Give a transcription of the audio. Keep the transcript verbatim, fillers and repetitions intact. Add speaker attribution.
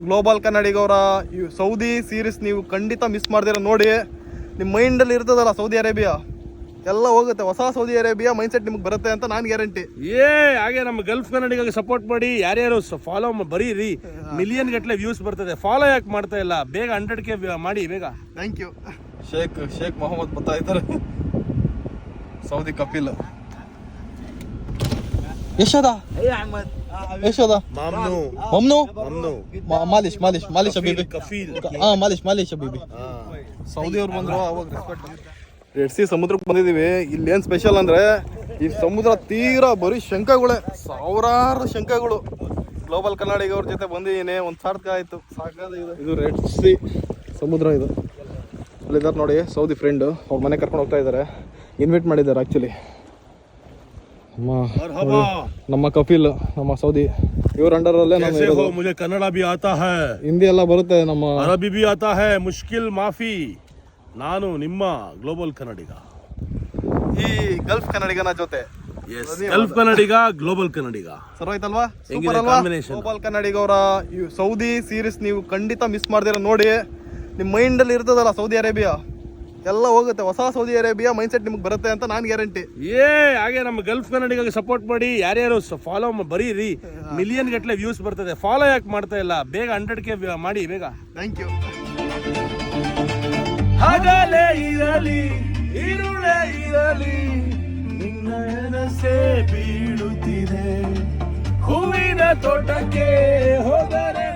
Speaker 1: Global ಕನ್ನಡಿಗವರ Saudi series ನೀವು ಖಂಡಿತ ಮಿಸ್ ಮಾಡ್ದಿರ ನೋಡಿ. ನಿಮ್ಮ ಮೈಂಡಲ್ಲಿ ಇರ್ತದಲ್ಲ ಸೌದಿ ಅರೇಬಿಯಾ ಎಲ್ಲ ಹೋಗುತ್ತೆ. ಹೊಸ ಸೌದಿ ಅರೇಬಿಯಾ ಮೈಂಡ್ ಸೆಟ್ ನಿಮ್ಗೆ ಬರುತ್ತೆ ಅಂತ ನಾನು ಗ್ಯಾರಂಟಿ.
Speaker 2: ಏ ಹಾಗೆ ನಮ್ಮ ಗಲ್ಫ್ ಕನ್ನಡಿಗಾಗಿ ಸಪೋರ್ಟ್ ಮಾಡಿ. ಯಾರ್ಯಾರು ಫಾಲೋ ಬರೀರಿ, ಮಿಲಿಯನ್ ಗಟ್ಟಲೆ ವ್ಯೂಸ್ ಬರ್ತದೆ. ಫಾಲೋ ಯಾಕೆ ಮಾಡ್ತಾ ಇಲ್ಲ? ಬೇಗ ಹಂಡ್ರೆಡ್ ಕೆ ಮಾಡಿ ಬೇಗ.
Speaker 1: Thank you. Sheikh Sheikh Mohammed ಬರ್ತಾ ಇದ್ದಾರೆ. ಸೌದಿ ಕಪಿಲ್ ಯಶೋದ ಯಶೋದ ಮಮ್ನು ಮಾಲಿಶ್ ಮಾಲಿಶ್ ಮಾಲಿಶ್ ಅಬೀಬಿ ಹಾ ಮಾಲಿಶ್ ಮಾಲಿಶ್ ಅಬೀಬಿ. ಸೌದಿ ಅವ್ರು ಬಂದ್ರು ಅವಾಗ ರೆಸ್ಪೆಕ್ಟ್. ರೆಡ್ ಸಿ ಸಮುದ್ರಕ್ಕೆ ಬಂದಿದ್ದೀವಿ. ಇಲ್ಲಿ ಏನು ಸ್ಪೆಷಲ್ ಅಂದರೆ ಈ ಸಮುದ್ರ ತೀರಾ ಬರೀ ಶಂಖಗಳೇ, ಸಾವಿರಾರು ಶಂಖಗಳು. ಗ್ಲೋಬಲ್ ಕನ್ನಡಿಗವ್ರ ಜೊತೆ ಬಂದಿದ್ದೀನಿ, ಒಂದು ಸಾರ್ಥಕ ಆಯಿತು. ಸಾಕಾದ ಇದು ಇದು ರೆಡ್ ಸಿ ಸಮುದ್ರ. ಇದು ಅಲ್ಲಿದ್ದಾರೆ ನೋಡಿ ಸೌದಿ ಫ್ರೆಂಡು, ಅವ್ರ ಮನೆ ಕರ್ಕೊಂಡು ಹೋಗ್ತಾ ಇದ್ದಾರೆ. ಇನ್ವೈಟ್ ಮಾಡಿದ್ದಾರೆ ಆ್ಯಕ್ಚುಲಿ. ನಮ್ಮ ನಮ್ಮ ಕಪಿಲ್ ನಮ್ಮ ಸೌದಿ ಇವ್ರ ಅಂಡರಲ್ಲೇ ನಾನು.
Speaker 2: ಮುझे ಕನ್ನಡ भी आता है,
Speaker 1: ಹಿಂದಿ ಎಲ್ಲ ಬರುತ್ತೆ, ನಮ್ಮ
Speaker 2: ಅರಬಿ भी आता है. ಮುಷ್ಕಿಲ್ ಮಾಫಿ. ನಾನು ನಿಮ್ಮ ಗ್ಲೋಬಲ್ ಕನ್ನಡಿಗ,
Speaker 1: ಈ ಗಲ್ಫ್ ಕನ್ನಡಿಗನ ಜೊತೆ.
Speaker 2: ಗಲ್ಫ್ ಕನ್ನಡಿಗ ಗ್ಲೋಬಲ್ ಕನ್ನಡಿಗ
Speaker 1: ಸರ್ವಾಯ್ತಲ್ವಾ? ಗ್ಲೋಬಲ್ ಕನ್ನಡಿಗವರ ಸೌದಿ ಸೀರೀಸ್ ನೀವು ಖಂಡಿತ ಮಿಸ್ ಮಾಡ್ದಿರ ನೋಡಿ. ನಿಮ್ಮ ಮೈಂಡಲ್ಲಿ ಇರ್ತದಲ್ಲ ಸೌದಿ ಅರೇಬಿಯಾ ಎಲ್ಲ ಹೋಗುತ್ತೆ. ಹೊಸ ಸೌದಿ ಅರೇಬಿಯಾ ಮೈಂಡ್ ಸೆಟ್ ನಿಮ್ಗೆ ಬರುತ್ತೆ ಅಂತ ನಾನು ಗ್ಯಾರಂಟಿ.
Speaker 2: ಏ ಹಾಗೆ ನಮ್ಮ ಗಲ್ಫ್ ಕನ್ನಡಿಗಾಗಿ ಸಪೋರ್ಟ್ ಮಾಡಿ. ಯಾರ್ಯಾರು ಫಾಲೋ ಬರೀರಿ, ಮಿಲಿಯನ್ ಗಟ್ಟಲೆ ವ್ಯೂಸ್ ಬರ್ತದೆ. ಫಾಲೋ ಯಾಕೆ ಮಾಡ್ತಾ ಇಲ್ಲ? ಬೇಗ ಹಂಡ್ರೆಡ್ ಕೆ ಮಾಡಿ ಬೇಗ.
Speaker 1: Thank you.
Speaker 2: ಹಗಲೇ ಇರಲಿ ಇರುಳೇ ಇರಲಿ, ನಿನ್ನ ಎನಸೆ ಬೀಳುತ್ತಿದೆ. ಹೂವಿನ ತೋಟಕ್ಕೆ ಹೋದರೆ